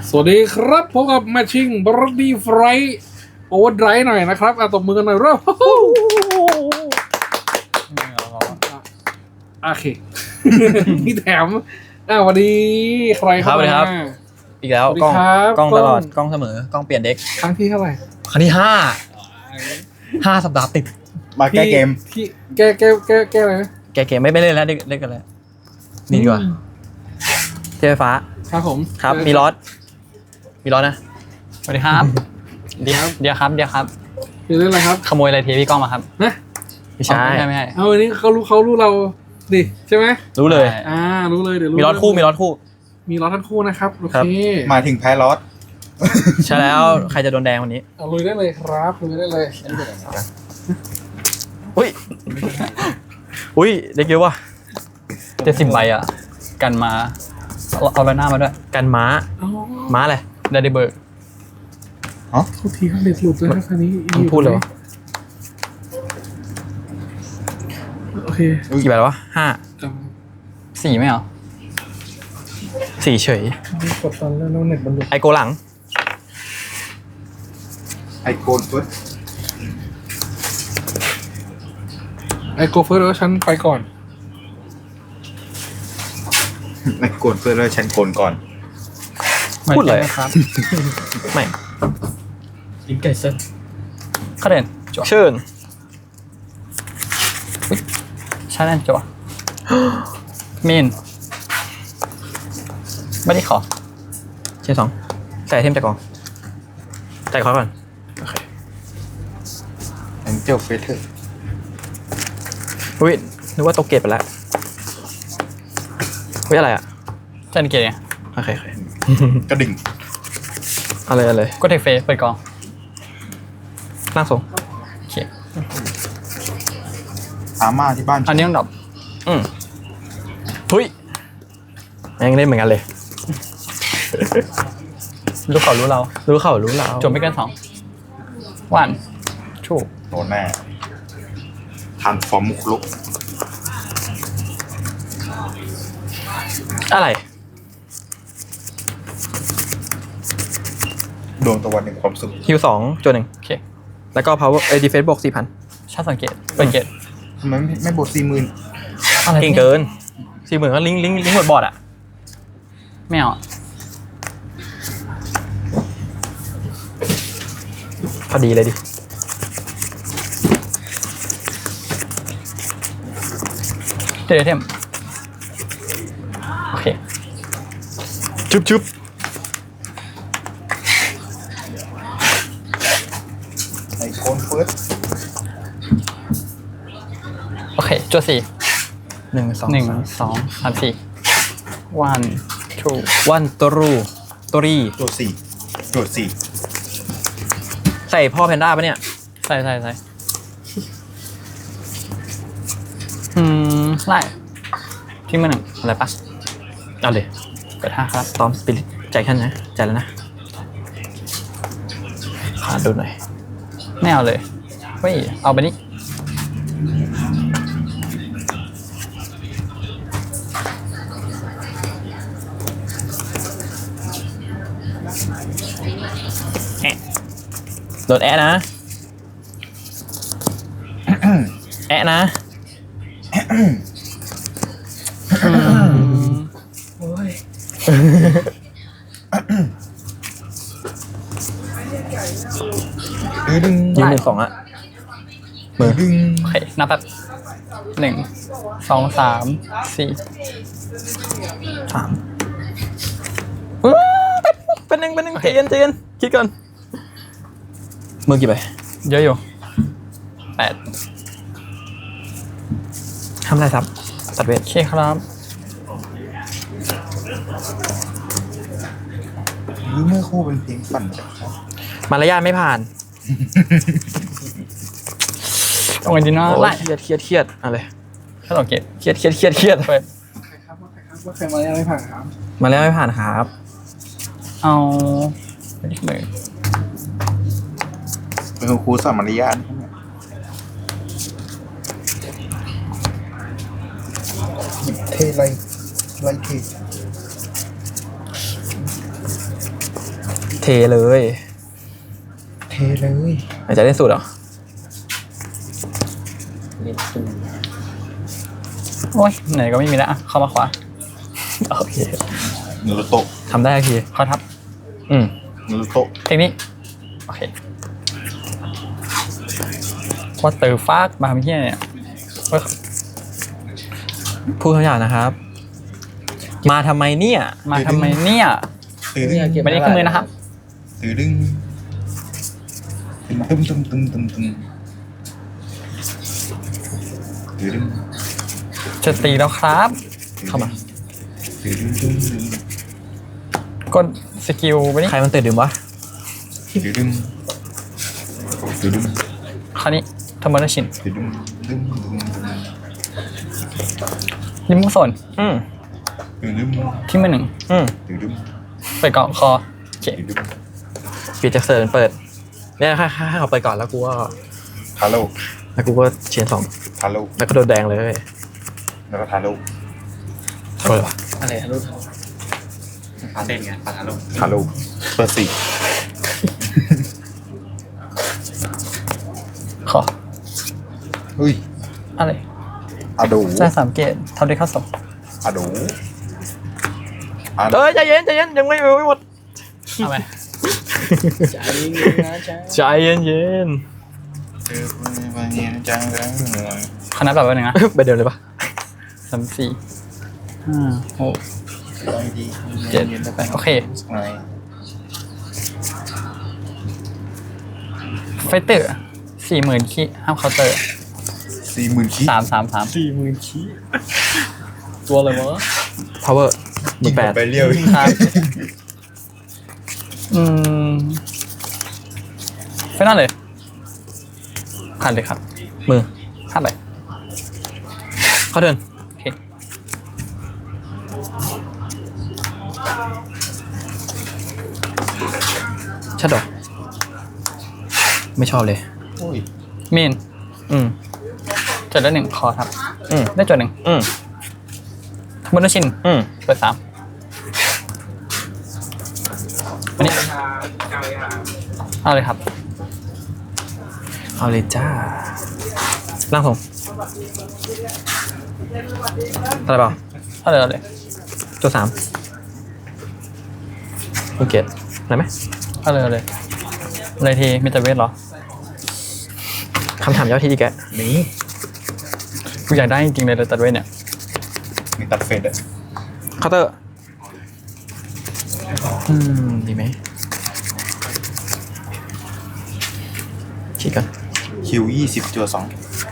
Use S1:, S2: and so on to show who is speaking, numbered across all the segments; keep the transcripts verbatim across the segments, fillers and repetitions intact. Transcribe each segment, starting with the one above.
S1: สวัสดีครับพบกับแมชชิ่งบรดี้ไฟร์โอเวอร์ไดรฟ์หน่อยนะครับอ่ะตบมือกันหน่อยเร็วโอเคนี่แถมอ่ะวันนี้ใครเข้ามา
S2: อีกแล้วกล้องกล้องตลอดกล้องเสมอกล้องเปลี่ยนเด็ก
S1: ครั้งที่เท่าไหร่
S2: ครั้งที่ห้าห้าสัปดาห์ติด
S3: มาแก้เกม
S1: ที่แก้แก้แก้แก้อะไรนะ
S2: แกเกมไม่ไปเล่นแล้วเล่นกันแล้วนี่ดีกว่าเทไฟฟ้า
S1: ครับผม
S2: ครับมีรถมีรถนะ
S4: สวัสดีครับ เดี๋ยวเดี๋ยวครับเดี๋ยวครับ
S1: คือเรื่องอะไรครับ
S4: ขโมยอะไรเทพี่ก้องมาครับ
S1: นะ
S2: ไม่ใช่
S4: ไม่ใช่ไม่ใช่
S1: เอาวันนี้เขารู้เขารู้เราดิใช่ไหม
S2: รู้เลย
S1: อ่ารู้เลยเดี๋ยวรู้
S2: มีรถคู่มีรถคู่
S1: มีรถทั้งคู่นะครับโอ
S2: ครับ
S1: เค
S3: มาถึงแพ้ลอส
S2: ใช่แล้วใครจะโดนแดงวันนี้
S1: เอาลุยได้เลยครับลุยได้เลย
S2: อุ้ยอุ้ยเด็กเยอะว่ะ
S4: เจ็ดสิบใบอ่ะ กันมาเอาเอาใบหน้ามาด้วย
S2: กันม้า
S1: อ๋อ
S2: ม้าอะไร
S4: ได้ได้เบิร์ก
S1: เขาทีเขาเด็ดหลุดเลยนะคันนี้
S2: มันพูดเลยวะ
S1: โอเค
S2: กี่ใบแล้ววะห้า
S1: จ
S4: สี่ไม่เหรอ
S2: สี่เฉย
S1: ำกดตอนแล้วเน็ตมันหลุด
S2: ไอโกหลัง
S3: ไอโกนฟุต
S1: ไอโกเฟิร์สแล้วฉันไปก่อน
S3: ไอโกนเพื่อแล้วฉันโกนก่อน
S2: พูดเลย
S4: ครับ
S2: ไม่
S4: ลิงไก่เซนเข้าเด่นจั่ว
S2: เชิญ
S4: ชาแนลจั่วเมนไม่ได้ขอ
S2: เชิญสองใส่ไอเทมจากกองใส่คอร์ก่อนโอเค
S3: แองเจลเฟเธอร์
S2: อุ้ยนึกว่าตกเกตไปแล้วเฮ้ยอะไรอ่ะ
S4: เจนเกย์ไง
S2: โอเคโอเค
S3: กระดิ่ง
S2: อะไรอะไร
S4: ก็เทคเฟสเปิดกอง
S2: ร่างทรง
S4: โอเค
S3: อาม่าที่บ้าน
S4: อันนี้ต้องดรอป
S2: อืมทุยยังเล่นเหมือนกันเลย
S4: รู้เขารู้เรา
S2: รู้เขารู้เรา
S4: จบไม่เกินสองวันชู
S3: โดนแน่ทานฟอร์มมุกลุก
S2: อะไร
S3: ดวงตะวันแห่งความสุข
S2: ฮิวสองจนหนึ่ง
S4: โอเค
S2: แล้วก็ power เอ้ย defense บวกสี่พัน
S4: ชาติสังเกตเปิดเกต
S3: ทำไมไม่ไม่บทสี่หมื่น
S4: อะไร
S2: เก่งเกินสี่หมื่นก็ลิงก์ลิงก์ลิงก์หมดบอร์ดอ่ะ
S4: ไม่เอาอะ
S2: พอดีเลยดิ
S4: เดี๋ยวเทมโอเค
S2: ชุบชุบ
S3: ไอโกนเฟิร์ส
S4: โอเคจั่วสี่
S2: หนึ่งสอง
S4: หนึ่ง
S2: สาม
S4: สองสามสี่ one two
S2: วันตรูตรี
S3: ตัวสี่ตัวสี่
S2: ใส่พ่อแพนด้าปะเนี่ย
S4: ใส่ใส่ใส่อืมไล่ทิ้งมาหนึ่งอะไรปะ
S2: เอาเลย
S4: เปิดห้าครับ
S2: ตอมสปิริตใจขั้นนะใจแล้วนะขาดดูหน่อย
S4: ไม่เอาเลยเฮ้ยเอาไปนี่
S2: โดนแอะนะ แอะนะ
S3: ดื้อดึง
S2: ยืนหนึ่งสองอ่ะ
S3: ดื้อดึง
S4: โอเคนับแบบหนึ่งสองสามสี่
S2: สามเป็นหนึ่งเป็นหนึ่งใจเย็นใจเย็นคิดก่อนมือกี่ใบ
S4: เยอะอยู่แปด
S2: ทำอะไรครับตัดเวท
S4: โอเคครับ
S3: หรือเมื่อคู่เป็นเพลงปั่นจักรยาน
S2: มารยาทไม่ผ่าน
S4: ตรงไอ้ดินว่า
S2: โอ้
S4: ไล่
S2: ยเครียดเครียดเครียดอะไร
S4: ถ้าสังเกต
S2: เครียดเครียดเครียดเครียด
S4: เปิด
S1: ใครครับว่าใครครับว่าใครมายังไม่ผ่านครับ
S2: มารยาทไม่ผ่านครับ
S4: เอาไปที่มือ
S3: เป็นครูสอนมารยาทใช่ไหมหยิบเทไรไรเท
S2: เทเลย
S3: เทเลย
S2: อาจจะเล่นสุดเหรอ
S4: โอ้ยไหนก็ไม่มีแล้วอ่ะเข้ามาขวา
S2: โอเค
S3: นารูโตะ
S2: ทำได้โอเค
S4: เข้าทับ
S2: อืม
S3: นารูโตะ
S4: เทคนิคโอเคว่าเตอร์ฟากมาทำเฮี้ยเนี่ยเฮ้ย
S2: พูดคำหยาบนะครับ มาทำไมเนี่ย
S4: มาทำไมเนี่ย
S3: ตื่นดึง
S4: ไม่ได้ขึ้นมือนะครับ
S3: ตื่นดึงตึมตึมตึมตึมตึมตื่นดึง
S4: จะตีแล้วครับ
S2: เข้ามา
S3: ตื่นดึงตึมตึม
S4: กดสกิลไปนี่
S2: ใครมันตื่นดื่มวะ
S3: ตื่นดึงตื่นดึง
S4: คราวนี้ทำมันชิน
S3: ตื่นดึงตึมตึมตึม
S4: ลิมมุโซน
S2: อืม
S3: ตื่นดึง
S4: ที่มือหนึ่ง
S2: อืม
S3: ตื่นดึง
S4: เปิดเกาะคอโอเค
S3: ตื่นดึง
S2: ปิดจากเซิร์นเปิดเนี่ยให้ให้ให้เขาเปิดก่อนแล้วกูก็
S3: ทาโร่
S2: แล้วกูก็เชียนสอง
S3: ทาโร่
S2: แล้วก็โดนแดงเลย
S3: แล้วก็ทาโร่
S2: โทษเลยวะ
S5: อะไรทะลุปาเต้นไงปาทะลุ
S3: ทาโร่เปิดสี่
S4: ขอ
S3: เฮ้ย
S4: อะไร
S3: อะโด
S4: จ่ายสามเกตทำได้เข้าสอง
S3: อะโดอะโด
S2: เอ้ยใจเย็นใจเย็นยังไม่ไม่หมด
S4: เอาไป
S5: ใจเย็นนะจ๊ะ
S2: ใจเย็นเย็น
S3: เออวันนี้จังเลย
S4: คณะแบบว่าหนึ่งนะ
S2: ไปเดิมเลยปะ
S4: สามสี่ห้าหกเจ็ดแปดโอเคไฟเตอร์สี่หมื่นคีห้ามเคาน์เตอร์
S3: สี่หมื่นคิ
S4: สามสามสาม
S5: สี่หมื่นขี้ตัวอะไรวะ
S2: พาวเวอร์หมื่นแปด
S3: ไปเรียว
S4: ครับอืมไฟนั่นเลยผ่านเลยครับ
S2: มือ
S4: ผ่านเลย
S2: เข้าเดิน
S4: โอเค
S2: ชัดดอกไม่ชอบเลย
S3: โอ้ย
S4: เมน
S2: อืม
S4: จดได้หนึ่งคอครับ
S2: อืม
S4: ได้จดหนึ่ง
S2: อืม
S4: มอนชิน
S2: อืม
S4: เปิดสามอันนี้เอาเลยครับ
S2: เอาเลยจ้าล่างผมอะไรเปล่า
S4: เอาเลยเอาเลย
S2: ตัวสามโอเคอะไรไหม
S4: เอาเลยเอาเลยอะไรทีมีแต่เวทเหรอ
S2: คำถามยอดที่ดีแก
S3: นี่
S4: กูอยากได้จริงๆเลยแต่ตัดเวทเนี่ย
S3: มีตัดเฟดอะ
S2: เคาน์เตอร์อืมดีไหมคิดกัน
S3: คิวยี่สิบจัวสอง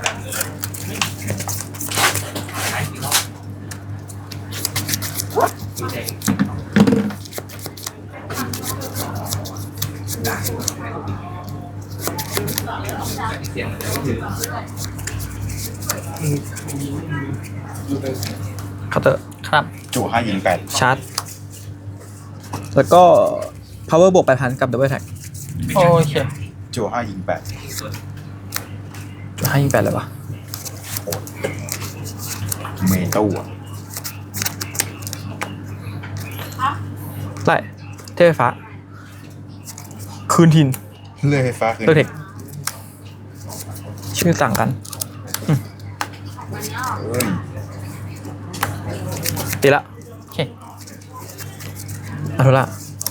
S2: เคาน์เตอร์
S4: ครับ
S3: จัวห้ายิงแปด
S2: ชาร์จแล้วก็ power บวกแปดพันกับ double attack
S4: โอเค
S3: จัวห้ายิงแปด
S2: จะให้ยิงแปดเลยวะ
S3: เมตู้อะ
S2: ไล่เทพไฟฟ้า คืนทิน
S3: เลยไฟฟ้าคืน
S2: เลือกเทคชื่อต่างกัน
S3: เฮ้ย
S2: ตีละ
S4: โอเค
S2: อัลโทล่า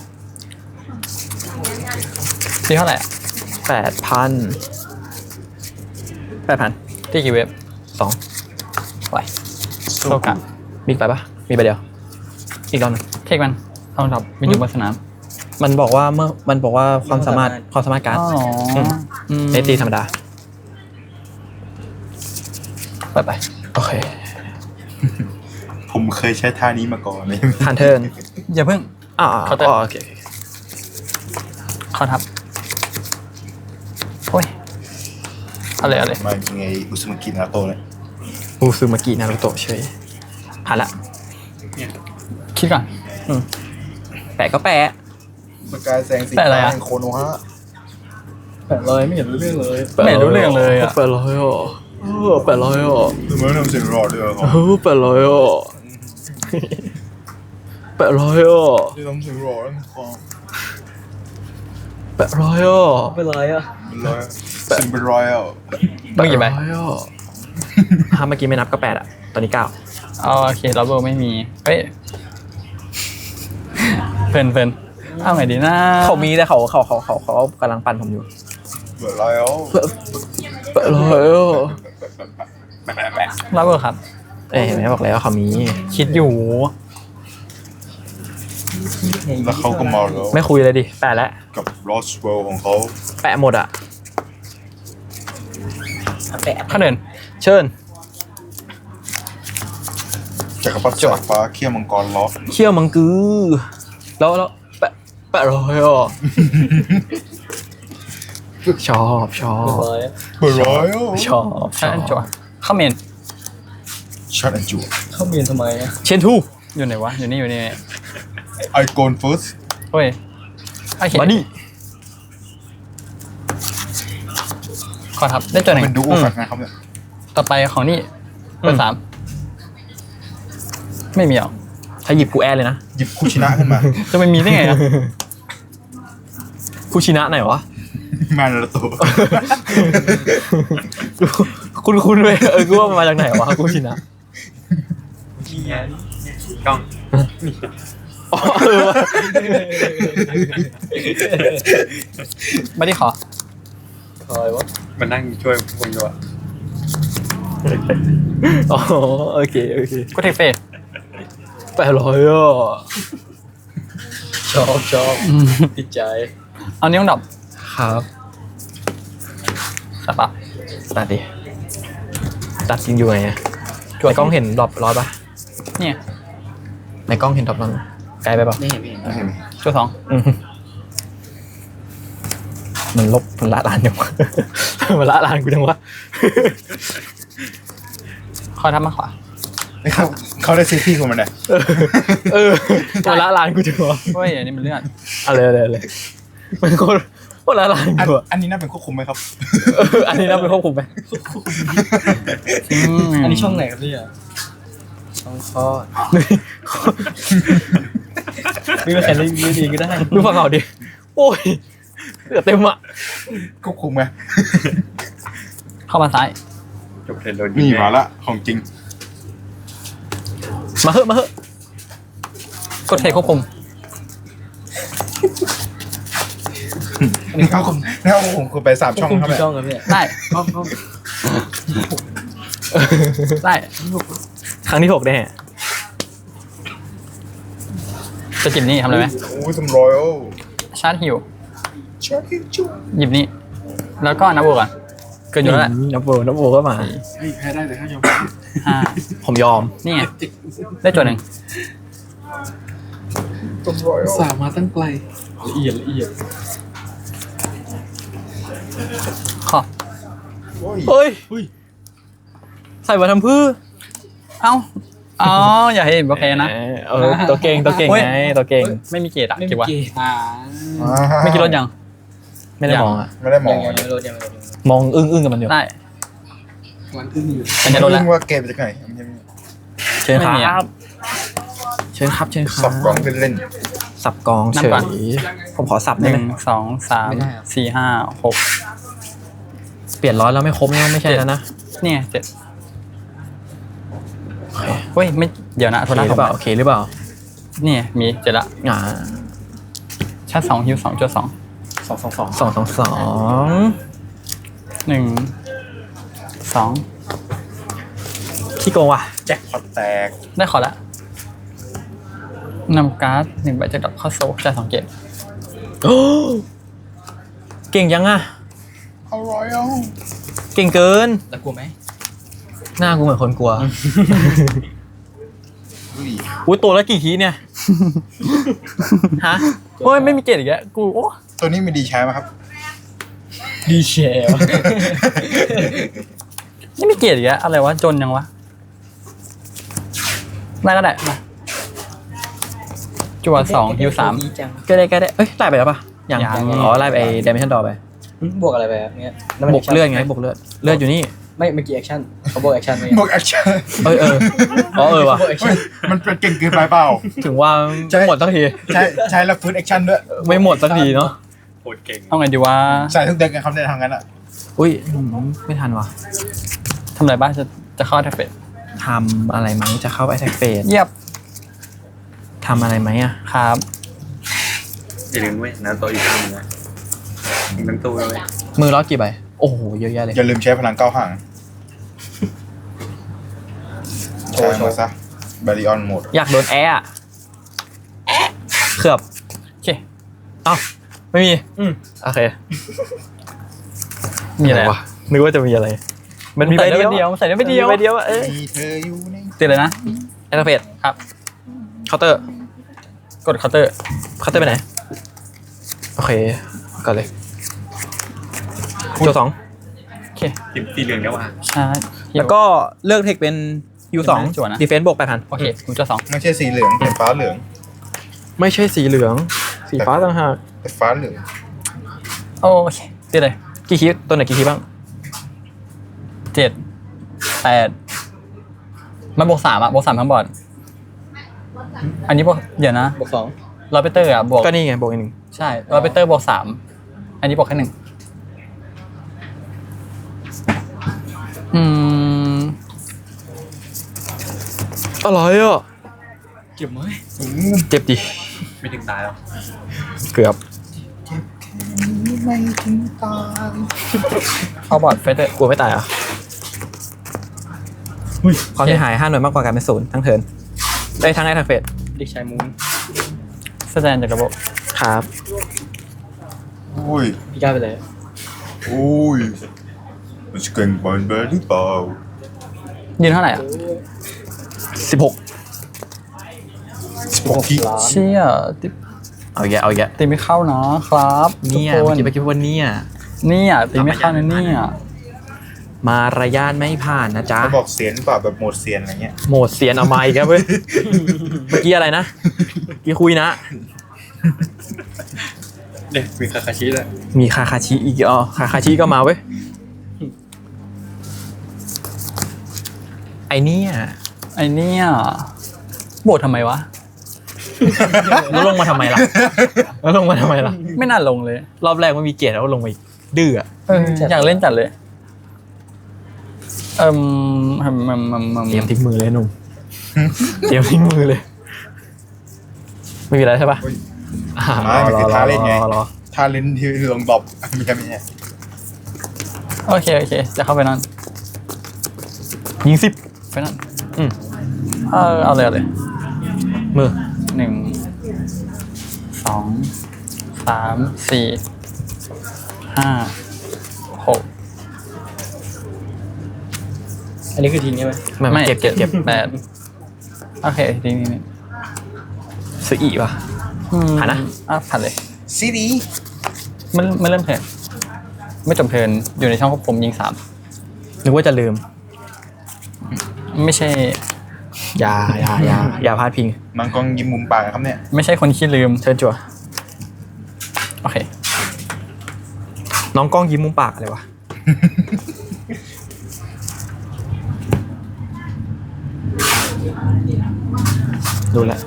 S4: ตีเท่าไหร่อะ
S2: แปดพันแปดพัน
S4: ตีกี่เวฟ
S2: สอง
S4: ไหวโลกะ
S2: มีไปปะมีไปเดียว อีกรอบหนึง
S4: เทคมันเอาดับมีอยู่บนสนาม
S2: มันบอกว่าเมื่อมันบอกว่าความสามารถความสามารถการ์ด
S4: อ๋อ
S2: อืม
S4: อืม
S2: ในตีธรรมดา
S4: ไปไป
S2: โอเค
S3: ผมเคยใช้ท่านี้มาก่อนเลย
S2: ผ่านเทิร์น
S4: อย่าเพิ่ง
S2: อ่า
S4: เคาน์เตอร์
S2: อ๋อโอเคโอเค
S4: ขอทับโอ้ยเอาเลยเอาเลย
S3: มายังไงอุสมากินาโตะเลย
S2: อูซูมากินารุโตะเฉยผ่านละ
S4: คิดก่อน
S2: อืมแปะก็แปะ
S3: สกายแสงสี
S4: แปะอะไรอะ
S3: แห่งโคโนฮะ
S5: แปดร้อยไม่เห็นรู้เรื่องเลย
S4: ไม่รู้เรื่องเลยอะ
S2: แปดร้อยอ่ะเออแปดร้อยอ่ะ
S3: ทำไมทำเสียงรอดด้วยครับ
S2: เออแปดร้อยอ่ะแปดร้อยอ่ะ
S3: ที่ทำเสียงรอดนะครับ
S2: แปะร้อยอ่ะ
S4: เป็นไรอ่ะ
S3: เป็นร้อยซิมเป็นร้อยอ่ะ
S4: ต้องกี่ใบ
S2: ร้อยอ่ะถ้าเมื่อกี้ไม่นับก็แปดอ่ะตอนนี้เก้า
S4: เอาโอเคเราเบอร์ไม่มีเฮ้ยเพลินเพลินเอาไงดีนะ
S2: เขามีแต่เขาเขาเขาเขาเขากำลังปั่นผมอยู่
S3: เป็นร้อยอ่ะ
S2: แปะร้อยอ่ะ
S3: แปะแปะแปะ
S4: เราเบอร์ครับ
S2: เอ้ยเห็นไหมบอกแล้วเขามี
S4: คิดอยู่
S3: แล้วเขาก็มาแล้ว
S2: ไม่คุยเลยดิแปะแล้ว
S3: กับลอสเวลของเขา
S2: แปะหมดอ่ะ
S4: ข้าเดิน
S2: เชิญ
S3: จักรพรรดิสายฟ้าเขี้ยวมังกรล็อก
S2: เขี้ยวมังกือแล้วแล้วแปะแปะร้อยอ่ะชอบชอบ
S3: เป็นร้อยอ่ะ
S2: ชอบช
S4: ชั
S2: อน
S4: จั่ว
S2: บ
S4: เข้าเมน
S3: ชัดอันจู
S4: เข้าเมนทำไมอ่ะ
S2: เชนทู
S4: อยู่ไหนวะอยู่นี่อยู่นี่
S3: ไอโกนเฟิร์ส
S4: เฮ้ยโอเค
S2: มาดิ
S4: ขอทับได้ตัวหนึ่ง
S3: เป็นดูโอแฟกนะครับเนี่ย
S4: ต่อไปของนี่เบอร์สามไม่มีหรอ
S2: ถ้าหยิบกูแอดเลยนะ
S3: หยิบคุชินะขึ้นมา
S4: จะไม่มีได้ไงอ่ะ
S2: คูชินะไหนวะ
S3: มานาโตะ
S2: คุณคุณเลยเออกูว่ามันมาจากไหนวะคูชินะ
S5: กล้อง
S2: อ๋อเออวะ
S4: ไม่ได้ขอ
S5: มันนั่งช่วยคนดูอะ
S2: อ๋อโอเคโอเค
S4: กูเทคเฟส
S2: แปดร้อยอ่ะ
S4: ชอบชอบติดใจเอานิ้วดับ
S2: ครับ
S4: สับปะ
S2: ตัดดิตัดจริงอยู่ไงอะในกล้องเห็นดรอปร้อยปะ
S4: เนี่ย
S2: ในกล้องเห็นดรอปร้อยไกลไปปะ
S4: ไม่เห็นไม่เห็น
S3: ไม่เห็น
S4: จุดสอง
S2: อืมมันลบมันละลานยังวะ มันละลานกูจังวะ
S4: คอยทับมาขวา
S3: ไม่เขาเขาได้ซื้อที่ของมันเนี่ย
S2: เออมันละลานกูจังวะ
S4: เฮ้ยอันนี้มันเลื่อน
S2: อะไรอะไรอะไรมันโคตรโคตรละลาน
S3: อัน
S2: กูอะ
S3: อันนี้น่าเป็นควบคุมไหมครับ
S2: เอออันนี้นับเป็นควบคุมไหม
S4: อันนี้ช่องไหนครับพี่อ่ะ
S2: ช่องคลอด
S4: ไม่เป็นใครเล่นดีก็ได้
S2: ดูฝั่งเขาดิโอ้ยเหลือเต็มอ่ะ
S3: ควบคุมไหม
S4: เข้ามาซ้าย
S5: จบเทรนโดน
S3: นี่มาละของจริง
S2: มาเหอะมาเหอะ
S4: กดเทคควบคุม
S3: นี่เขาคุมนี่เขาคุมคือไปสามช่องครับเนี่ย
S4: ได้ ได้
S2: ครั้งที่หกแน่
S4: จะจิบนี่ทำอะไรไหม
S3: โอ้ยสมรอยโอ้
S4: ชาร์จฮิว
S3: ชาคิจู
S4: หยิบนี่ แล้วก็นับโบกันเกินอยู่แล้วแหละ
S2: นับโบนับโบก็มา
S1: เฮ้ยแพ้ได้แต่ถ้ายอม
S4: ห้า
S2: ผมยอม
S4: นี่ไงได้จุดหนึ่ง
S3: สมรอยโอ้
S1: สามมาตั้งไกลละเอียดละเอียด
S4: ขอบ
S3: โอ้ย
S2: เฮ้ยใส่มาทำพื้อ
S4: เอ้าอ๋ออย่าให้เห็นโอเคนะ
S2: เออตัวเก่งตัวเก่ง
S4: เฮ้ย
S2: ไงตัวเก่ง
S4: ไม่มีเกรดอะเก็บวะ
S1: อ่า
S4: ไม่คิดรถยัง
S2: ไม่ได้มองอ่ะ
S3: ไม่ได้มอง
S2: มองอึ้งอึ้งกับมันอยู่
S4: ได้
S1: วันที่อยู่
S4: มันจะลดแล้ว
S3: ว่าเกมจะไงมันจะมี
S2: เชิญค
S4: ไม่มี
S2: รั
S4: อะ
S2: บเชิญครับเชิญครั
S3: สั
S2: บบ
S3: กล่องเล่น
S2: สับกองเฉ
S4: นับก่อน
S2: ยผมขอสับ
S4: ห
S2: ได้
S4: นึ่
S2: ไหม
S4: งสองสามสี่ห้าหก
S2: เปลี่ยนร้อยแล้วไม่ครบนี่ไม่ใช่แล้วนะ
S4: เนี่ยเจ็ด
S2: โอเค
S4: เฮ้ยไม่เดี๋ยวนะ
S2: โอ
S4: โทร
S2: เค
S4: ศัพ
S2: หรือ
S4: ท์
S2: เปล่าโอเคหรือเปล่า
S4: เนี่ยมีเจ็ดละ
S2: อ่า
S4: ชาร์จสองฮิวสองจุดสอง
S2: สองสองสองสองสองสอง
S4: หนึ่งสอง
S2: ขี้โกงว่ะ
S3: ๆแจ็คพอตแตก
S4: ได้ขอละนำการ์ดหนึ่งใบจากดอกเข้าโซ่จ่ายสองเกต
S2: โอ้เก่งยังอ่ะ
S3: อร่อยอ่ะ
S2: เก่งเกิน
S4: แล้วกลัวไหม
S2: หน้ากูเหมือนคนกลัว
S3: อุ้ย
S2: อุ้ยตัวละกี่ทีเนี่ย ฮะ
S4: โอ้ยไม่มีเกตอีกแล้วกูโอ้
S3: ตัวนี้มีดีใช้ไหมครับ
S4: ดีแชร์ไม่มีเกตอีกแล้วอะไรวะจนยังวะได้ก็ได้มาจั่วสองฮิวสาม
S2: ก็ได้ก็ได้เอ้ยไล่ไปแล้วปะยัง
S4: ยัง
S2: อ๋อไล่ไปเดมิชันดอไป
S6: บวกอะไรไปครับเนี่ย
S2: บวกเลือดไงบวกเลือดเลือดอยู่นี่
S6: ไม่เมื่อกี้แอคชั่นเขาบวกแอคชั่นไหม
S3: บวกแอคชั่น
S2: เออเอออ๋อเออว่ะ
S6: บวกแอคชั่น
S3: มันเป็นเก่งเกินไปเปล่า
S2: ถึงว่า
S3: ใช่
S2: หมดสักที
S3: ใช้ใช้แล้วฟื้นแอคชั่นด้วย
S2: ไม่หมดสักทีเนาะ
S5: โคตรเก่ง
S4: เอาไงดีวะ
S3: ใส่ทุกเด็กกันครับในทางนั้นอ่ะ
S2: อุ้ยอืมไม่ทันวะ
S4: ทำอะไรบ้างจะจะเข้าแท็บเฟส
S2: ทำอะไรไหมจะเข้าไปแท็กเฟส
S4: เยียบ
S2: ทำอะไรไหมอ่ะ
S4: ครับ
S5: อย่าลืมเว้ยนะตัวอีกข้างนึงนะยิงทั้งตู้เลย
S2: มือล็อกกี่ใบโอ้โหเยอะแยะเลย
S3: อย่าลืมใช้พลังเก้าห่างใช้มาซะบาริออนโหมด
S2: อยากโดนแอร์อะเขือบ
S4: โอเค
S2: เอ้าไม่มี
S4: อืม
S2: โอเค
S4: มีอะไร
S2: วะนึกว่าจะมีอะไร มันมีใบเดียว
S4: ใส่ได้ใบเดียว
S2: ใบเดียวอะเอ้ย
S3: มีเธออยู่ใน
S4: ติดเลยนะ
S2: แอร์เฟส
S4: ครับ
S2: เคาน์เตอร์
S4: กดเคาน์เตอร์
S2: เคาน์เตอร์ไปไหนโอเคก่อนเลยโจสอง
S4: โอเค
S5: สีสีเหลืองเนี่ยว่ะ
S4: ใช่
S2: แล้วก็เลือกเทคเป็นยูสอง
S4: จั่วนะ
S2: ดีเฟนซ์บวกแปดพัน
S4: โอเคกูจะสอง
S3: ไม่ใช่สีเหลืองเป็นฟ้าเหลือง
S2: ไม่ใช่สีเหลือง สีฟ้าต่างหาก
S3: แต่ฟ้าเหลือง
S4: โอเคติดเลย
S2: กี่คีตัวไหนกี่คีบ้าง
S4: เจ็ดแปดมันบวกสามอะบวกสามทั้งบอร์ดอันนี้บวกเดี๋ยวนะ
S6: บวกสอง
S4: ลอเปเตอร์อะบวก
S2: ก็นี่ไงบวกอีกหนึ่ง
S4: ใช่ลอเปเตอร์บวกสามอันนี้บวกแค่หนึ่งอืม
S2: อะไรอ่ะ
S4: เก็บไหม
S2: เจ็บดิ
S5: ไม่ถึงตายแล้ว
S2: เกือบ
S3: ไม่ถึงตาย
S4: เข้าบอร์ดเฟเตอร์
S2: กลัวไม่ตายเหรอ่ะความเสียหายห้าหน่วยมากกว่าการเป็นศูนย์ทั้งเทิร์นได้ทั้งได้ทั้งเฟส
S6: เด็กชายมูน
S4: แสดงจากระบบ
S2: ครับ
S3: อุ้ย
S6: พี่ก้าวไปเลย
S3: อุ้ยมันจะเก่งบอลเบอร์หรือเปล่า
S4: ยืนเท่าไหร่อ่ะ
S2: สิบหก
S3: สิบหกที
S6: ล้าน
S4: เชี่ยติ
S2: เอาแยะเอาแยะ
S4: ตีไม่เข้านะครับ
S2: เนี่ย
S4: ทุก
S2: เมื่อ
S4: คน
S2: กี้เมื่อกี้ว่าเนี่ย
S4: เนี่ยตีไม่เข้านะเนี่ย
S2: มารยาทไม่ผ่านนะจ๊ะ
S3: เขาบอกเสียนเปล่าแบบโหมดเสียนอะไรเงี้ย
S2: โหมดเสียนเอาไม้ครับเว้ย เมื่อกี้อะไรนะเมื่อกี้คุยนะ
S5: เด็กมีคาคาชิเลย
S2: มีคาคาชิอีกอ๋อคาคาชิก็มาเว้ย ไอเนี่ย
S4: ไอเนี่ยโบดทำไมวะ
S2: แล้วลงมาทำไมล่ะ แล้วลงมาทำไมล่ะ
S4: ไม่น่าลงเลย
S2: รอบแรกมันมีเกียรติแล้วลงไปดื้ออะ
S4: เอออยากเล่นจัดเลย เอิ่มอืมอืมอืมอืม
S2: เตรียมทิ้งมือเลยหนุ่ม เตรียมทิ้งมือเลย ไม่มีอะไรใช่ปะ
S3: เฮ้ย
S2: อ่า
S3: ไม่มันคือท่าเล่นไง
S2: รอรอ
S3: ท่าเล่นที่ลงดรอปมีแค่นี้
S4: โอเคโอเค จะเข้าไปนั่น
S2: ยิงสิบ
S4: ไปนั่น
S2: อืม
S4: เออเอาเลยเอาเลย
S2: มือ
S4: หนึ่งสองสามสี่ห้าหก
S6: อันนี้คือทิ้งใช่ไหม
S2: ไม่ไม่เก็บเก็บเก็บ
S4: แปดโอเคทีนี้นี่
S2: ซื้ออีกป่ะ
S4: อืม
S2: ผ่านนะ
S4: อ่ะผ่านเลย
S3: ซีดี
S4: ไม่ไม่เริ่มเทิร์นไม่จบเทิร์นอยู่ในช่องควบคุมยิงสาม
S2: นึกว่าจะลืม
S4: ไม่ใช่
S2: อย่าอย่าอย่าอย่าพลาดพิง
S3: มังกรยิ้มมุมปากครับเนี่ย
S4: ไม่ใช่คนขี้ลืม
S2: เชิญจั่ว
S4: โอเค
S2: น้องกล้องยิ้มมุมปากอะไรวะ ดูแลว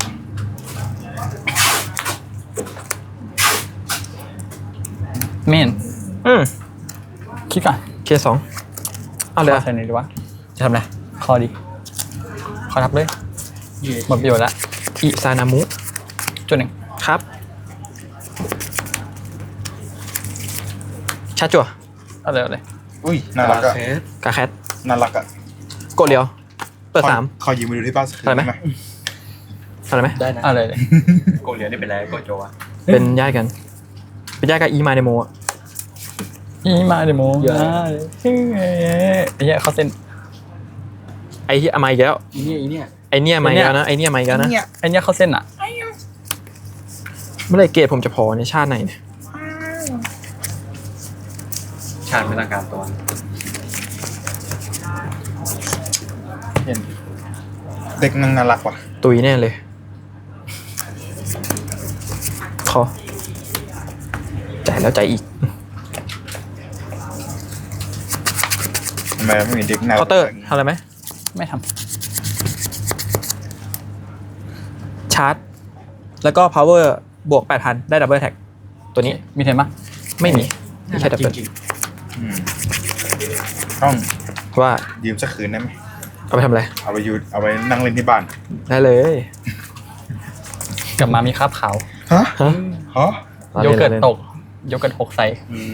S4: เมน
S2: อืม
S4: คิดก่อน
S2: เคสองเอาเลย
S4: ขอ
S2: อะ
S4: ใส่ไหนดีวะ
S2: จะทำอะไร
S4: คอดีขอทับเลยหมดประโยชน์ละ
S2: อิซานามุ
S4: จุดหนึ่ง
S2: ครับ ชาร์จจั่ว
S4: เอาเลยเอาเลย
S3: อุ้ยน่ารักอะ
S2: กาแคท
S3: น่ารักอะ
S2: กดเดียว เปิดสาม
S3: ขอยืมมาดูที่บ้านสักคืน
S2: อะไรไหม
S3: ได้ไหม
S2: อะไรไหม
S6: ได้นะ
S4: เอาเลยเลย
S5: โกเหลียนี่เป็นไรโกโจวะ
S2: เป็นญาติกัน เป็นญาติกับอีมาเดโมอะ
S4: อีมาเดโมเยอะเฮ้ยไอ้เหี้ยเขาเส้น
S2: ไอ้ที่เอามาอีกแล้ว
S6: อีเนี่ยอีเนี่ย
S2: ไอเนี่ยมาอีกแล้วนะไอเนี่ยมาอีกแล้วนะ
S4: ไอ้เนี้ยเขาเส้นอ่ะ
S2: เมื่อไหรเกรดผมจะพอในชาติไหนเนี่ย
S5: ชาติไม่ต้องการตัว
S6: เห็น
S3: เด็กนางน่ารักว่ะ
S2: ตุยแน่เลยขอใจายแล้วใจายอีก
S3: ทำไมไม่มีเด็กน่ารัก
S2: เคาน์เตอร์ทำอะไรไหม
S4: ไม่ท
S2: ชาร์จ แล้วก็ power บวก แปดพัน ได้ดับเบิลแท็ก
S4: ำ
S2: ตัวนี้
S4: มีเทนปะ
S2: ไม่มีมีแค่ดับเบิล
S6: จริง
S3: อืมต้อง
S2: ว่า
S3: ยืมสักคืนได้ไหม
S2: เอาไปทำอะไร
S3: เอาไปยูเอาไปนั่งเล่นที่บ้าน
S2: ได้เลย
S4: กลับมามีคราบขาว
S3: ฮะ
S2: ฮะ
S3: ฮะ
S4: โยเกิร์ตตกโยเกิร์ตหกใส่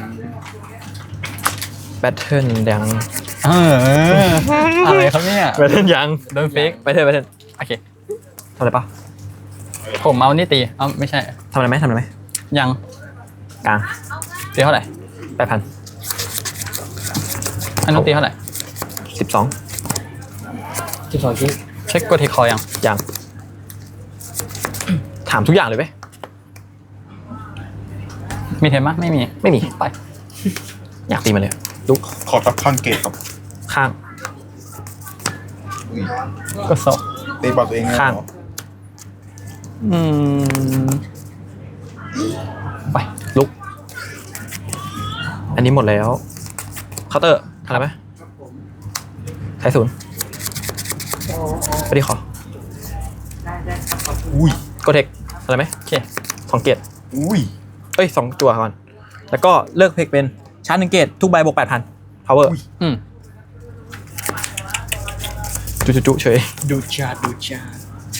S2: แบทเทิลยัง
S4: เอออะไรครับเนี่ย
S2: แบทเทิลยัง
S4: โดนเฟก
S2: แบทเทิลแบทเทิล
S4: โอเค
S2: ทำอะไรปะ
S4: ผมเอานี่ตีเอ้าไม่ใช่
S2: ทำอะไรไหมทำอะไรไหม
S4: ยัง
S2: กลาง
S4: ตีเท่าไหร่
S2: แปดพัน
S4: อันนู้นตีเท่าไหร่
S2: สิบสอง
S6: สิบสองชิ้น
S4: เช็คกดเทคคอยัง
S2: ยังถามทุกอย่างเลยไหม
S4: มีเทนปะไม่มี
S2: ไม่มี
S4: ไป
S2: อยากตีมันเลยลุก
S3: ขอทับข้างเกตครับ
S2: ข้าง
S3: อุ้ย
S4: ก็โซ
S3: ตีบอลตัวเองเลยเหรอ
S2: ข้าง
S4: อืมไป
S2: ลุก อันนี้หมดแล้วเคาน์เตอร์ทำอะไรไหมไทยศูนย์ไปดิขอ
S3: อุ้ย
S2: โกเทคอะไรไหม
S4: โอเค
S2: สองเกต
S3: อุ้ย
S2: เอ้ยสองจั่วก่อน แล้วก็เลิกเพกเป็นชาร์จหนึ่งเกตทุกใบบวกแปดพัน power
S4: อืม
S2: จุจุจุเฉย
S6: ดูชาดูชา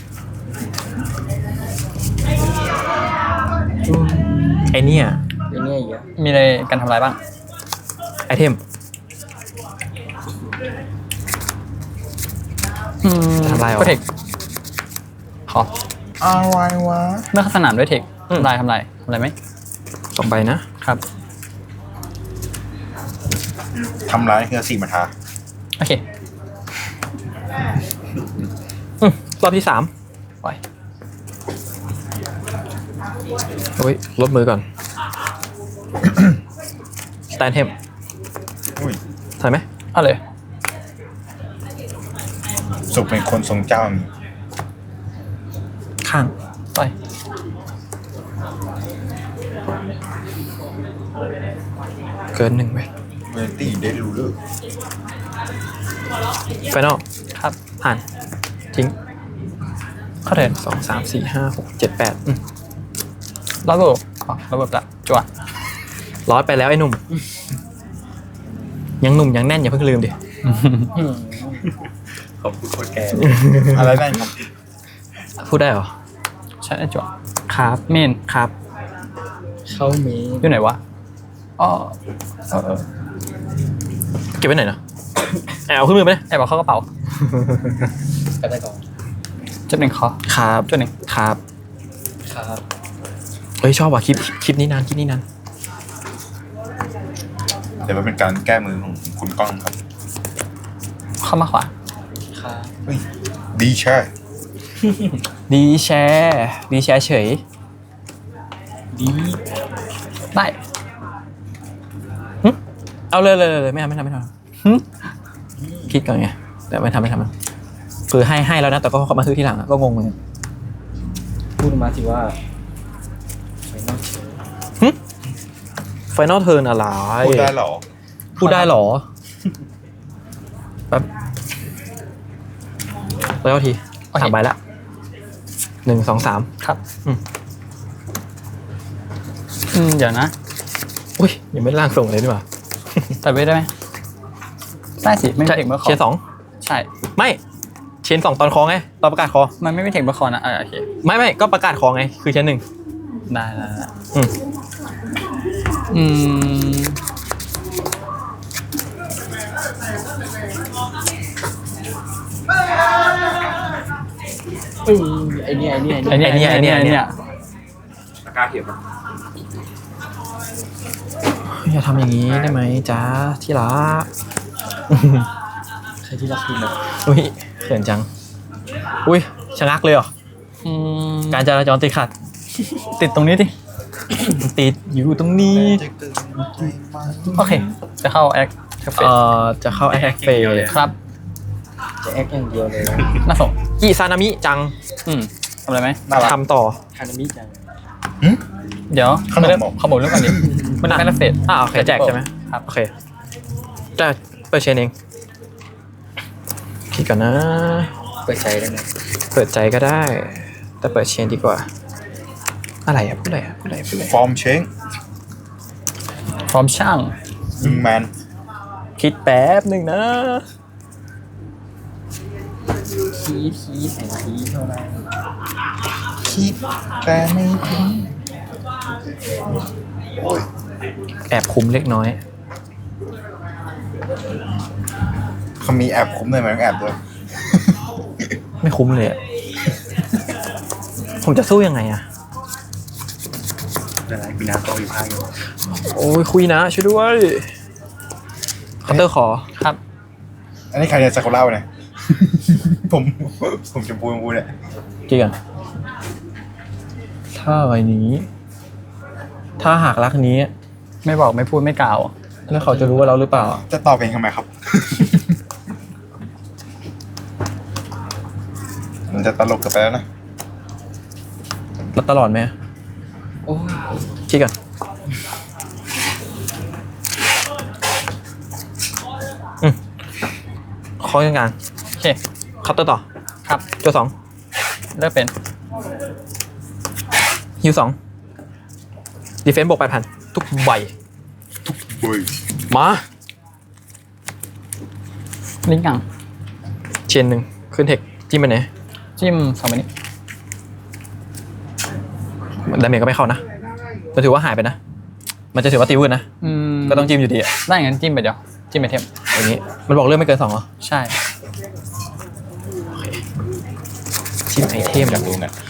S2: ไอเนี่ย
S6: อย่างเงี้ยเยอะ
S4: มีอะไรการทำลายบ้าง
S2: ไอเทม
S4: อืม
S2: ทำลายเหรอ
S4: ก็เทคขอ
S3: อะไรวะ
S4: เมื่อเข้าสนามด้วยเทค
S2: อืม
S4: ทำลายทำลายทำลายไหม
S2: สองใบนะ
S4: ครับ
S3: ทำร้ายเฮือสี่มาทา
S4: โอเค
S2: อืมรอบที่สาม
S4: ปล่อย
S2: โอ้ยลดมือก่อน สแตนเทม
S3: อุ้ย
S2: ใช่ไหม
S4: เอาเลย
S3: สุขเป็นคนทรงเจ้ามี
S2: ข้าง
S4: ปล่อย
S2: เกินหนึ่งไป
S3: เวนตี้เดลูเลอร์
S2: ไฟนอล
S4: ครับ
S2: ผ่าน ทิ้ง
S4: เข้าเถิน
S2: สองสามสี่ห้าหกเจ็ดแปดอืม
S4: ระเบิดอ๋อระเบิดละจั่ว
S2: ร้อยไปแล้วไอ้หนุ่ม ยังหนุ่มยังแน่นอย่าเพิ่งลืมดิ
S5: ขอบคุณโคตรแก
S3: อะไรได้ครับ
S2: พูดได้เหรอ
S4: ใช่จั่ว
S2: ครับ
S4: เมน
S2: ครับ
S6: เขามี
S4: อยู่ไหนวะอ๋อเออเออ
S2: เก็บไว้ไหนนะแอบเอาขึ้นมือไปเลย
S4: แอบเอาเข้ากระเป๋า
S6: ก็ได้ก่อน
S4: จุดหนึ่งคอ
S2: ครับ
S4: จุดหนึ่ง
S2: ครับ
S6: ครับ
S2: เฮ้ยชอบว่ะคลิปคลิปนี้นานคลิปนี้นาน
S3: เดี๋ยวมันเป็นการแก้มือของคุณก้องครับ
S4: เข้ามาขวา
S6: ครับ
S3: เฮ้ยดีใช่
S2: ดีแชร์ดีแชร์เฉย
S6: ดี
S4: ได้
S2: เอาเลยเลยเลยเลยไม่ทำไม่ทำไม่ทำ
S4: หึ
S2: คิดก่อนไงแต่ไม่ทำไม่ทำคือให้ให้แล้วนะแต่ก็เขามาซื้อทีหลังอะก็งงเหมือนกัน
S6: พูดมาสิว่าไปนอกเฉย
S2: ไฟนอลเทิร์นอะไร
S3: พูดได้เหรอ
S2: พูดได้เหรอแป๊บแล้วทีสามใบละหนึ่งสองสาม
S4: ครับ
S2: อืม
S4: อืมเดี๋ยวนะ
S2: อุ้ยยังไม่ได้ร่างส่งเลยดีกว่า
S4: ตัดไปได้ไหมได้สิไม่มี
S2: ใช่
S4: เทคเมื่อคอ
S2: เชียร์สอง
S4: ใช่
S2: ไม่เชียร์สองตอนคอไงตอนประกาศคอ
S4: มันไม่มีเทคเมื่อคอนะเออโอเค
S2: ไม่ไม่ก็ประกาศคอไงคือเชียร์หนึ่ง
S4: ได้ได้ได้
S2: อืม
S4: อืม
S6: อืมไอเนี้ยไอเนี้ยไอ
S4: ไอ
S6: เนี้ย
S4: เนี้ยไอเนี้ยไอเนี้ย
S5: ตะกร้าเขียนมา
S2: อย่าทำอย่างนี้ได้ไหมจ้าที่รัก
S6: ใครที่รักคุณนะ
S2: อุ้ยเขินจัง อุ้ยชะงักเลยเหรอ
S4: อืม
S2: การจราจรติดขัด
S4: ติดตรงนี้ดิ
S2: ติดอยู่ตรงนี้
S4: โอเค จะเข้าแอคเทอร์เฟ
S2: เอ่อจะเข้าแอคเฟย์
S4: ครับ
S6: จะแอคอย่างเดียวเลยนะ
S4: น่าส่ง
S2: อิซานามิจัง
S4: อืมทำอะไรไหม
S3: น่ารัก
S2: ทำต่อ
S6: ฮานามิจัง
S4: เดี๋ยว
S3: ขนม
S4: เริ่ม
S3: บอก
S4: ขโมยเรื่องก่อนดิมันเป็นเฟส
S2: อ่าโอเคแจกใช่ไหม
S4: ครับ
S2: โอเคจะเปิดเชนเองคิดก่อนนะ
S6: เปิดใจได้ไหม
S2: เปิดใจก็ได้ แต่เปิดเชนดีกว่าอะไรอ่ะพูดอะไรอ่ะพูดอะไรพูดอะไร
S3: ฟอร์มเชง
S4: พร้อมช่าง
S3: ยิงแมน
S2: คิดแป๊บหนึ่งนะ
S6: คีดคีดแอนคีดเท่านั้น
S3: คิดแต่ไม่ถึง
S2: แอบคุมเล็กน้อย
S3: เขามีแอบคุ้มเลยไหมต้องแอบด้วย
S2: ไม่คุ้มเลยอ่ะ ผมจะสู้ยังไงอ่ะ
S5: อะไรมีน้ำโตอยู่ข้างอยู่
S2: โอ้ยคุยนะช่วยด้วยคัตเตอร์ขอ
S4: ครับ
S3: อันนี้ใครเนี่ยซากุระเนี่ย ผมผมชมพูชมพูเนี่ย
S2: กี่กันถ้าใบนี้ ถ้าหากรักนี้
S4: ไม่บอกไม่พูดไม่กล่าว
S2: แล้วเขาจะรู้ว่าเราหรือเปล่า
S3: จะตอบเองทำไมครับ มันจะตลกเกันไปแล้วนะ
S2: เราตลอดไหม
S6: โอ้ย
S2: กี่กันอืมขอยังงาน
S4: โอเค
S2: คัตเตอร์ต่อ
S4: ครับ
S2: โจสอง
S4: เลือกเป็น
S2: ฮิวสองดีเฟนซ์บวกแปดพันทุกใบ
S3: บุย
S2: มา
S4: ลิงก์กัง
S2: เชนหนึ่งขึ้นเทคจิ้มไปไหน
S4: จิ้มสองใบนี้
S2: ดาเมจก็ไม่เข้านะมันถือว่าหายไปนะ มันจะถือว่าตีวืดนะ
S4: อืม
S2: ก็ต้องจิ้มอยู่ดีอะ
S4: ได้งั้นจิ้มไปเดียวจิ้มไปเทม
S2: อย่างนี้ มันบอกเลือกไม่เกินสองเหรอ
S4: ใช่
S2: จิ้มไอเทม
S3: อยากรู้เนี่ย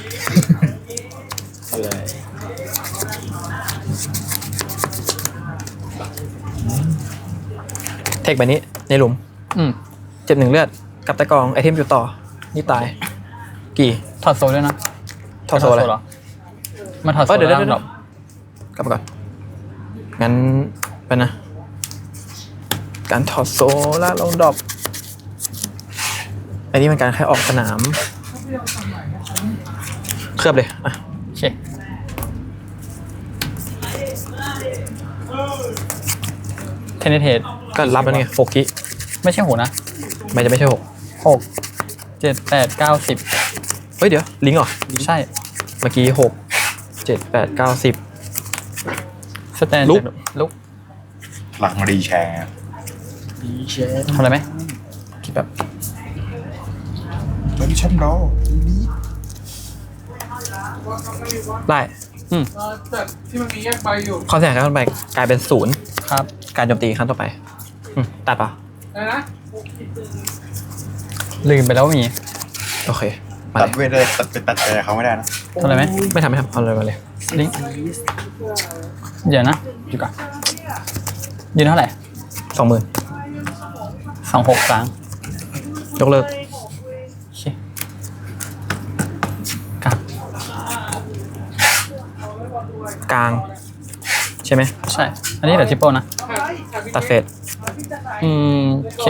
S2: เทคใบนี้ในหลุม
S4: อืม
S2: เจ็บหนึ่งเลือดกับตะกองไอเทมอยู่ต่อ นี่ตาย กี่
S4: ถอดโซลด้วยนะ
S2: ทอโซอะไร
S4: เหรอมาถอดโซ
S2: เอ้ย
S4: ล
S2: เดี๋ยว
S4: แล้
S2: เดี๋ยว
S4: ว
S2: เดี๋ยวกลับมาก่อน งั้นไปนะ การถอดโซล่าเราดรอปอันนี้มันการแค่ออกสนาม เคลือบเลย อ่ะ
S4: โอเคเทนนิเทส
S2: ก็รับแล้วนี่หกกิ
S4: ไม่ใช่หูนะ
S2: ไม่จะไม่ใช่หก
S4: หกเจ็ดแปดเก้าสิบ
S2: เฮ้ยเดี๋ยว ลิงก์เหรอ
S4: ใช่
S2: เมื่อกี้หกเจ็ดแปดเก้าสิบ
S4: สแตน
S2: ลุก
S4: ลุก
S3: หลังรีแชร์
S6: ดีเชฟ
S4: ทำอะไรไหม
S2: คิดแบบ
S3: แล้วฉันรอนี่
S2: ได้
S4: อืม
S1: แต่ที่มันมีแยกใบอยู่
S2: ความเสียหายครั้งต่อไปกลายเป็นศูนย์
S4: ครับ
S2: การโจมตีครั้งต่อไปอืมตัดเปล่ะ
S1: อะไรนะ
S4: ลืมไปแล้วว่ามี
S2: โอเค มา
S3: ตัด
S2: เลย
S3: เวทเลยตัดไปตัดใจเขาไม่ได้นะ
S4: ทำอะไรไหม
S2: ไม่ทำไม่ทำเอาเลยมาเลย
S4: ลิงก์เดี๋ยวนะอยู่ก่อนยืนเท่าไหร่
S2: สองหมื่น
S4: สองหกครั้ง
S2: ยกเลิก
S4: โอเคครับ
S2: กลาง ใช่ไหม
S4: ใช่ อันนี้เดี๋ยวทิปเปิลนะ
S2: ตัดเฟส
S4: อืมโอเค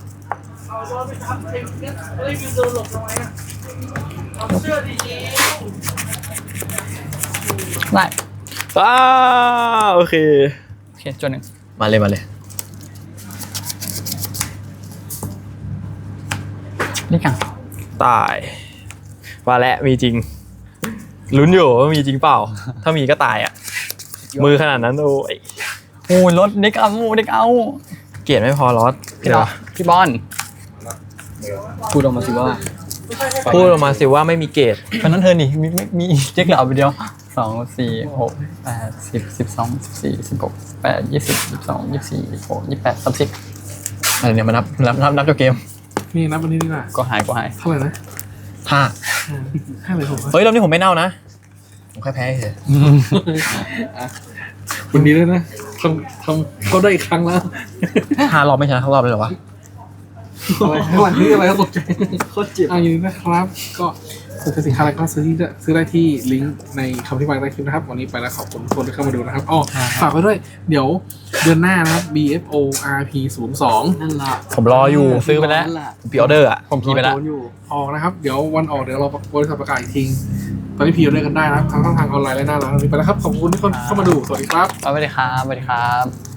S4: ได้
S2: อ้าโอเค
S4: โอเคจนหนึ่ง
S2: มาเลยมาเลย
S4: นี่กัง
S2: ตายว่าแล้วมีจริง ลุ้นอยู่ว่ามีจริงเปล่า ถ้ามีก็ตายอ่ะ มือขนาดนั้นโอ้ย
S4: โอ้ยรถเด็กเอาเด็กเอา
S2: เกลียดไม่พอลอส
S4: พี่บอลพี่บอล
S6: พูดออกมาสิว่า
S2: พูดออกมาสิว่าไม่มีเกรด
S4: ตอนนั้นเธอนี่มีมีมีเจ๊กเหล่าไปเดียวสองสี่หกแปดสิบสิบสองสิบสี่สิบหกแปดยี่สิบยี่สิบสองยี่สิบสี่ยี่สิบหกยี่สิบแปดสามสิบ
S2: อะไรเนี่ยมานับนับนับนับจบเกม
S1: นี่นับวันนี้ดีกว่า
S4: ก็หายก็หาย
S1: เท่าไหร่นะ
S2: ห้า
S1: ห้าเลยผม
S2: เฮ้ยรอบนี้ผมไม่เน่านะ ผมแค่แพ้เฉย
S1: คุณดีด้วยนะทำทำก็ได้อีกครั้งแล้ว
S2: ห้ารอบไม่ชนะทั้งรอบเลยเหรอวะ
S1: อะไรข้างหลังนี่อะไรก็ตกใจ
S6: โคตรเจ็บ
S1: อ่ายินดีนะครับ ก็ซื้อสินค้าอะไรก็ซื้อที่ซื้อได้ที่ลิงก์ในคำอธิบายใต้คลิปนะครับ วันนี้ไปแล้วขอบคุณทุกคนที่เข้ามาดูนะครับอ๋อฝากไว้ด้วย เดี๋ยวเดือนหน้านะครับ บี เอฟ โอ อาร์ พี ศูนย์ สอง
S6: นั่นล่ะ
S2: ผมรออยู่
S4: ซื้อไปแล้ว
S6: นั่นล่ะ
S2: ผมพรีออเดอร์อ่ะ
S4: ผมพีไปแล้ว
S6: โดนอยู่
S1: ออกนะครับ เดี๋ยววันออกเดี๋ยวเราบริษัทประกาศอีกทีตอนนี้พีออเดอร์กันได้นะครับทั้งทางออนไลน์และหน้าร้านวันนี้ไปแล้วครับขอบคุณทุกคนเข้ามาดูสวัสดีครับ
S4: สวัสดีครับสวัสดีครับ